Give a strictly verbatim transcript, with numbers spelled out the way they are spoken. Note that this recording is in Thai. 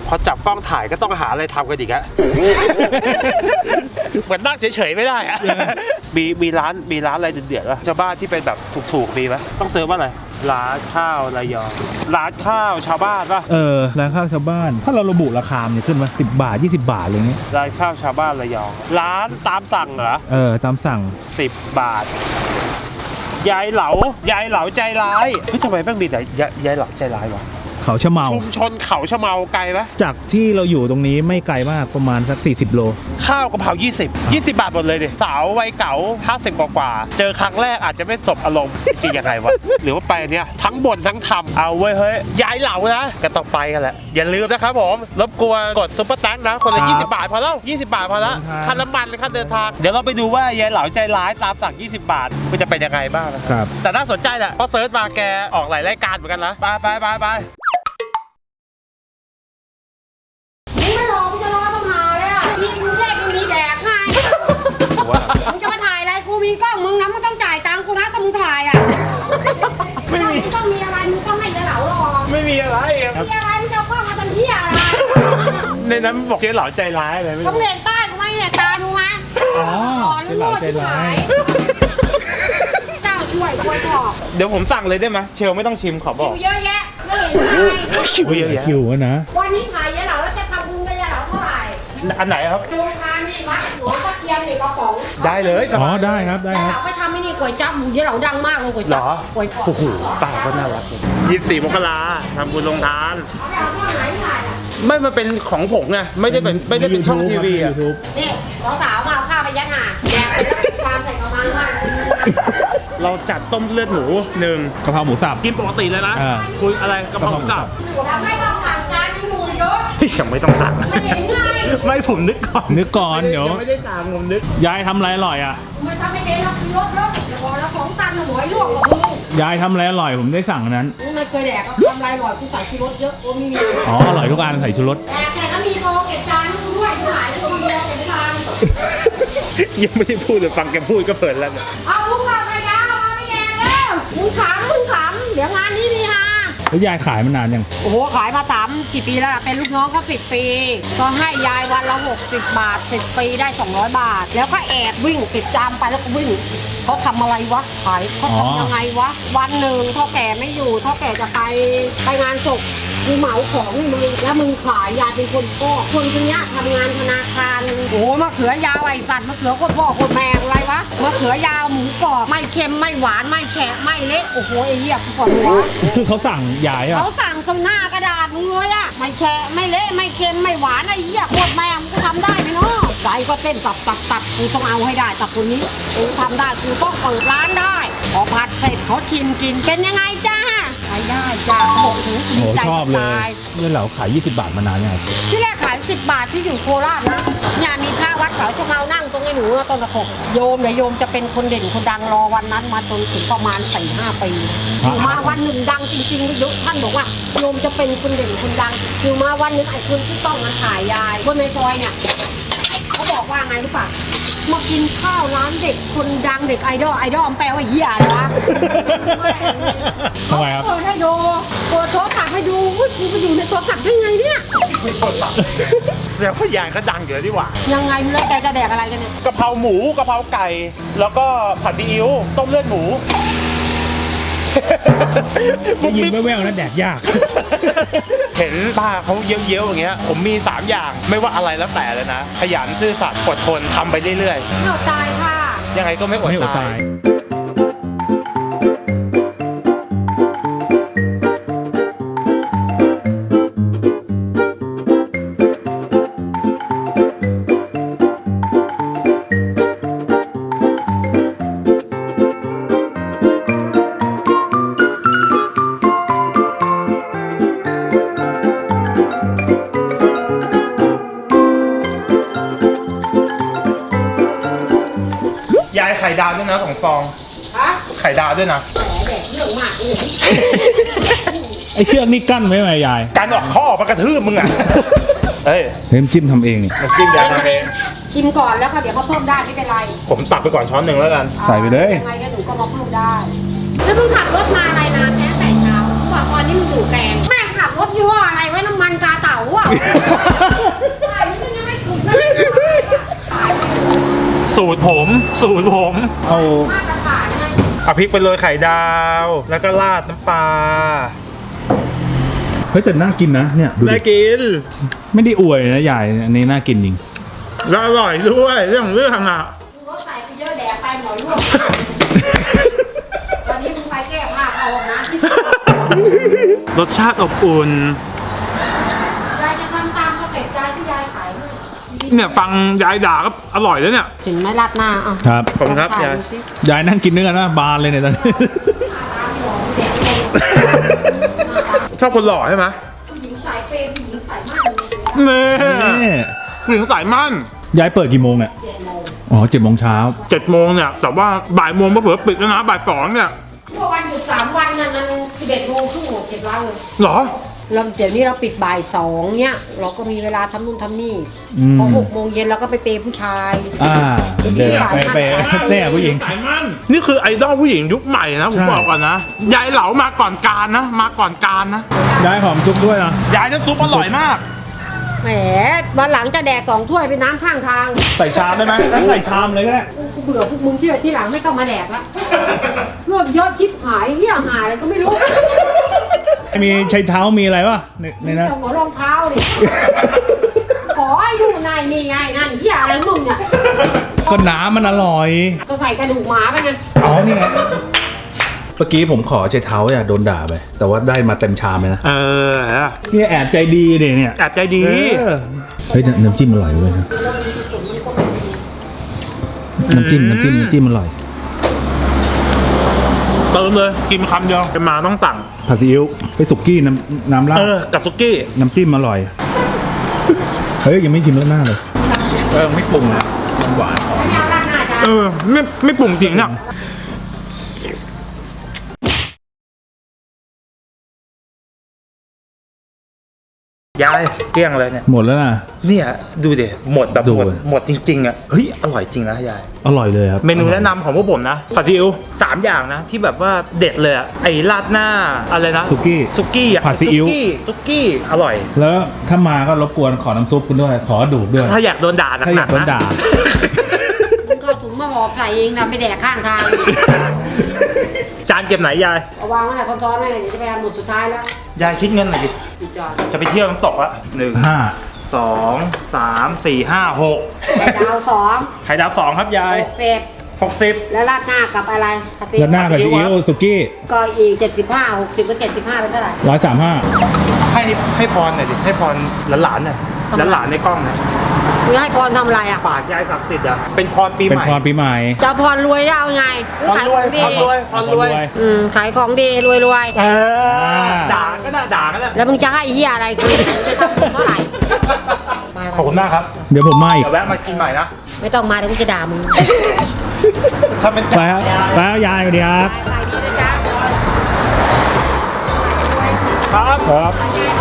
พอจับกล้องถ่ายก็ต้องหาอะไรทำกันอีกอะ เหมือนนั่งเฉยๆไม่ได้อะมีมีร้านมีร้านอะไรเดือดๆวะชาวบ้านที่เป็นแบบถูกๆมีไหมต้องเซิร์ฟว่าอะไรร้านข้าวระยองร้านข้าวชาวบ้านป่ะเออร้านข้าวชาวบ้านถ้าเราระบุราคาเนี่ยขึ้นมาสิบบาทยี่สิบบาทอะไรเงี้ยร้านข้าวชาวบ้านระยองร้านตามสั่งเหรอเออตามสั่งสิบบาทยายเหลายายเหลาใจร้ายเฮ้ยทำไมแม่งมีแต่ยายเหลาใจร้ายวะเขาชะเมาชุมชนเขาชะเมาไกลไหมจากที่เราอยู่ตรงนี้ไม่ไกลมากประมาณสักสี่สิบโลข้าวกะเพรายี่สิบ ยี่สิบบาทหมดเลยดิสาววัยเก๋าห้าสิบกว่าๆเจอครั้งแรกอาจจะไม่สบอารมณ์กินยังไงวะหรือว่าไปเนี่ยทั้งบ่นทั้งทำเอาไว้เฮ้ยยายเหลานะก็ต้องไปกันแหละอย่าลืมนะครับผมรบกวนกดซุปเปอร์แตงนะคนละยี่สิบบาทพอแล้วยี่สิบบาทพอแล้วค่าน้ำมันค่าเดินทางเดี๋ยวเราไปดูว่ายายเหลาใจร้ายตามสั่งยี่สิบบาทมันจะเป็นยังไงบ้างนะครับแต่น่าสนใจแหละเพราะเซิร์ชมาแกออกหลายรายการเหมือนกันนะไปไปไปไปมึงจะมาถ่ายอะไรกูมีกล้องมึงนะมึงต้องจ่ายตังค์กูนะถ้ามึงถ่ายอ่ะไม่มีต้องมีอะไรมึงต้องให้เจ๊เหลารอไม่มีอะไรมีอะไรมึงจะเอากล้องมาทำเหี้ยอะไรในนั้นบอกเจ๊เหลาใจร้ายอะไรไม่รู้ต้องเห็นป้ายกูไหมเนี่ยตาดูไหมอ๋อเจ๊เหลาใจร้ายเจ้าช่วยช่วยพอเดี๋ยวผมสั่งเลยได้ไหมเชลไม่ต้องชิมขอบอกเยอะแยะไม่เห็นอะไรคิวเยอะแยะคิวนะวันนี้ถ่ายเจ๊เหลาแล้วจะทำบุญกับเจ๊เหลาเท่าไหร่อันไหนครับดูทานนี่วัดหลวงพ่อเทียนนี่กระป๋องได้เลยอ๋อได้ครับได้ครับไปทำไม่นี่ก๋วยจั๊บหมูเจ๊เหลาดังมากเลยก๋วยจั๊บก๋วยจั๊บโอ้โหตาก็น่ารักยี่สิบสี่มกราทำบุญลงทานไม่มาเป็นของผงไงไม่ได้เป็นไม่ได้เป็นช่องทีวีอ่ะนี่สาวๆมาเอาข้าวไปยัดหาแดกไปแล้วตามใส่กระมังว่าเราจัดต้มเลือดหมูหนึ่งกะเพราหมูสับกินปกติเลยนะคุยอะไรกะเพราหมูสับไม่ต้องสั่งจานมีหมูเยอะยังไม่ต้องสั่งไม่เห็นไงไม่ผมนึกก่อนนึกก่อนเดี๋ยวไม่ได้สั่งผมนึกยายทำอะไรอร่อยอ่ะไม่ทำไม่เป็นหรอกรถรถเดี๋ยวบอกแล้วของตันหัวลวกกับมึงยายทำอะไรอร่อยผมได้สั่งนั้นไม่เคยแดกทำอะไรอร่อยกูใส่ชูรสเยอะกูมีอ๋ออร่อยทุกอันใส่ชูรสแต่แต่ก็มีโตเก็บจานด้วยหายแล้วคนเดียวเก็บไม่ทันยังไม่ได้พูดเลยฟังแกพูดก็เปิดแล้วเนี่ยเอาลูกเราไปยาวมาไม่แดงแล้วมึงขำมึงขำเดี๋ยวงานนี้มีฮะแล้วยายขายมานานยังโอ้โหขายมาสามกี่ปีแล้วเป็นลูกน้องก็สิบปีก็ให้ยายวันละหกสิบบาทสิบปีได้สองร้อยบาทแล้วก็แอบวิ่งติดจามไปแล้วก็วิ่งเขาทำอะไรวะขายเขาทำยังไงวะวันหนึ่งเท่าแก่ไม่อยู่เท่าแก่จะไปไปงานศพกูเหมาของให้มึงแล้วมึงขายยายเป็นคนก็คนคนนี้ทำงานธนาคารโอ้มะเขือยาวไอ้สัตว์มะเขือโคตรพ่อโคตรแม่อะไรวะมะเขือยาวหมูกรอบไม่เค็มไม่หวานไม่แฉะไม่เละโอ้โหไอ้เหี้ยปวดหัวคือเขาสั่งยายอ่ะเขาสั่งตรงหน้ากระดาษมึงเลยอ่ะไม่แฉะไม่เละไม่เค็มไม่หวานไอ้เหี้ยโคตรแม่มึงก็ทำได้ไหมเนาะใจก็เต้นตับตับตับกูต้องเอาให้ได้ตับคนนี้กูทำได้กูต้องเปิดร้านได้พอผัดเสร็จเขาชิมกินเป็นยังไงจ้าขายได้จ้าบอกถึงดีใจชอบเลยเนี่ยเราขายยี่สิบบาทมานานยังไงที่แรกขายสิบบาทที่อยู่โคราชนะเนี่ยมีพระวัดเขาชะเมานั่งตรงนี้หนูต้นตะขบโยมเนี่ยโยมจะเป็นคนเด่นคนดังรอวันนั้นมาจนถึงประมาณสี่ห้าปีอยู่มาวันหนึ่งดังจริงๆยุท่านบอกว่าโยมจะเป็นคนเด่นคนดังอยู่มาวันนึงไอ้คนที่ต้องมาถ่ายยายคนในซอยเนี่ยเขาบอกว่าไงรู้ป่ะมากินข้าวร้านเด็กคนดังเด็กไอดอลไอดอลแปลว่าเหี้ยอะไรวะทำไมครับเปิดให้ดูเปิดโทรศัพท์ให้ดูว่ากูไปอยู่ในโทรศัพท์ได้ไงเนี่ยโทรศัพท์เสียงพยานก็ดังเยอะดีกว่ายังไงแล้วแกจะแดกอะไรกันเนี่ยกะเพราหมูกะเพราไก่แล้วก็ผัดซีอิ๊วต้มเลือดหมูได้ยินแว่วๆนะแดกยากเห็นป้าเขาเยอะๆอย่างเงี้ยผมมีสามอย่างไม่ว่าอะไรแล้วแต่เลยนะขยันซื่อสัตย์อดทนทำไปเรื่อยๆไม่อดตายค่ะยังไงก็ไม่อดตายยายไข่ดาวด้วยนะสองฟองไข่ดาวด้วยนะแหมเรื่องมากเลยไอเชือกนี่กั้นไว้ไหมยายการออกข้อมากระทืบมึงอ่ะเฮ้ยน้ำจิ้มทำเองนี่น้ำจิ้มยายทำเองชิมก่อนแล้วก็เดี๋ยวเขาเพิ่มได้ไม่เป็นไรผมตักไปก่อนช้อนหนึ่งแล้วกันใส่ไปเลยยังไงก็หนูก็มาเพิ่มได้แล้วมึงขับรถมาอะไรนานแค่แต่เช้าบอกตอนนี้มึงอยู่แกงแม่ขับรถยี่ห้ออะไรไว้น้ำมันกาเต่าอ่ะสูตรผม สูตรผมเอามาตรฐานไงเอาพริกไปโรยไข่ดาว แล้วก็ราดน้ำปลาเฮ้ยแต่น่ากินนะเนี่ยดูได้ดิกินไม่ได้อวยนะใหญ่อันนี้น่ากินจริงแล้วอร่อยด้วยเรื่องเรื่องอ่ะรถใส่ไปเยอะแดดไปหมอยร่วงวันนี้มึงไปแก้ผ้าเอาออกนะรสชาติอบอุ่นยายจะทำตามสเต็ปยายที่ยายขายให้เนี่ยฟังยายด่าก็อร่อยแล้วเนี่ยเห็นไหมราดหน้าอ่ะครับขอบคุณครับถ่ายยายดูสิยายนั่งกินด้วยกันนะบานเลยเนี่ยตอนนี้ตามหมอเด็กเลยชอบคนหล่อใช่ไหมผู้หญิงสายเปย์ผู้หญิงสายมากเลยนี่นี่ผู้หญิงสายมั่นยายเปิดกี่โมงเนี่ยเจ็ดโมงอ๋อเจ็ดโมงเช้าเจ็ดโมงเนี่ย แต่ว่าบ่ายโมงเผื่อๆปิดแล้วนะบ่ายสองเนี่ยเมื่อวันหยุดสามวันน่ะมันสิบเอ็ดโมงครึ่งหมดเจ็ดวันเลยเหรอเราเดี๋ยวนี้เราปิดบ่ายสองเนี่ยเราก็มีเวลาทำนู่นทำนี่อืมพอหกโมงเย็นเราก็ไปเปย์ผู้ชายอ่าเดินไปไปแน่ผู้หญิงสายมั่นนี่คือไอดอลผู้หญิงยุคใหม่นะผมใช่บอกก่อนนะ ยายเหลามาก่อนการนะ มาก่อนการนะยายหอมซุปด้วยนะยายน้ำซุปอร่อยมากแหมวันหลังจะแดกสองถ้วยไปน้ำข้างทางใส่ชามได้ไหมใส่ชามเลยก็ได้กูเบื่อพวกมึงที่ที่หลังไม่ต้องมาแดกละรวบยอดชิปหายเหี้ยหายอะไรก็ไม่รู้มีใช้เท้ามีอะไรวะในในนั้นเอาหัวรองเท้าดิขอให้ดูนายนี่ไงนั่นเหี้ยอะไรมึงเนี่ยก็น้ำมันอร่อยจะใส่กระดูกหมาไปไงอ๋อนี่ไงเมื่อกี้ผมขอใช้เท้าอย่าโดนด่าไป แต่ว่าได้มาเต็มชามเลยนะเออเนี่ยแอบใจดีเนี่ยเนี่ยแอบใจดีเออเฮ้ยน้ำจิ้มอร่อยเว้ยนะน้ำจิ้มน้ำจิ้มน้ำจิ้มอร่อยเติมเลย กินคำเดียวจะมาต้องสั่งผัดซีอิ๊วไปสุกี้น้ำน้ำราดเออ กับซุกี้น้ำจิ้มอร่อยเฮ้ยยังไม่ชิมแล้วหน้าเลยเออไม่ปรุงนะมันหวานไม่เอาราดหน้าจ้ะเออ ไม่ไม่ปรุงจริงเนี่ยยายเกลี้ยงเลยเนี่ยหมดแล้วนะเนี่ยดูเดี๋ยหมดแบบดูหมดหมดจริงๆอ่ะเฮ้ยอร่อยจริงนะยายอร่อยเลยครับเมนูแนะนำของพวกผมนะผัดซีอิ๊วสามอย่างนะ ที่แบบว่าเด็ดเลยอะไอ้ราดหน้าอะไรนะสุกี้ซุกี้อะผัดซีอิ๊วซุกี้ซุกี้อร่อยแล้วถ้ามาก็รบกวนขอน้ำซุปคุณด้วย ขอดูดด้วยถ้าอยากโดนด่าหถ้าอนัยาก กโดนๆนะด่ามึงก็เอาถุงมาห่อใส่เองนะไปแดกข้างทางจานเก็บไหนยายเอาวางไว้ไหนซ้อนๆไว้เลยเดี๋ยวจะไปเอาหมดสุดท้ายแล้วยายคิดเงินหน่อยดิอีกจานจะไปเที่ยวน้ำตกละหนึ่งห้าสองสามสี่ห้าหกไข่ดาวสองไข่ดาวสองครับยายหกเศษหกสิบแล้วราดหน้ากับอะไรกะทิแล้วหน้ากับซีอิ๊วสุกี้ก็อีกเจ็ดสิบห้าหกสิบกับเจ็ดสิบห้าเป็นเท่าไหร่ร้อยสามห้าให้ให้พรหน่อยดิให้พรหลานๆหน่อยทำไมหลานๆในกล้องหน่อยมึงให้พรทำอะไรอ่ะปากยายศักดิ์สิทธิ์อะเป็นพรปีเป็นใหม่พรปีใหม่จะพรรวยได้เอาไงพรขายรขวอย งดีพรรวยพรรวยอืมขายของดีรวยรวยเออด่าก็ได้ด่าก็ได้แล้วมึงจะให้เฮียอะไรกูเท่าไหร่ขอบคุณมากครับเดี๋ยวผมมาอีกเดี๋ยวแวะมากินใหม่นะไม่ต้องมาเดี๋ยวกูจะด่ามึงถ้าเป็นไปครับไปครับยายสวัสดีครับขายดีนะจ๊ะครับครับขายดี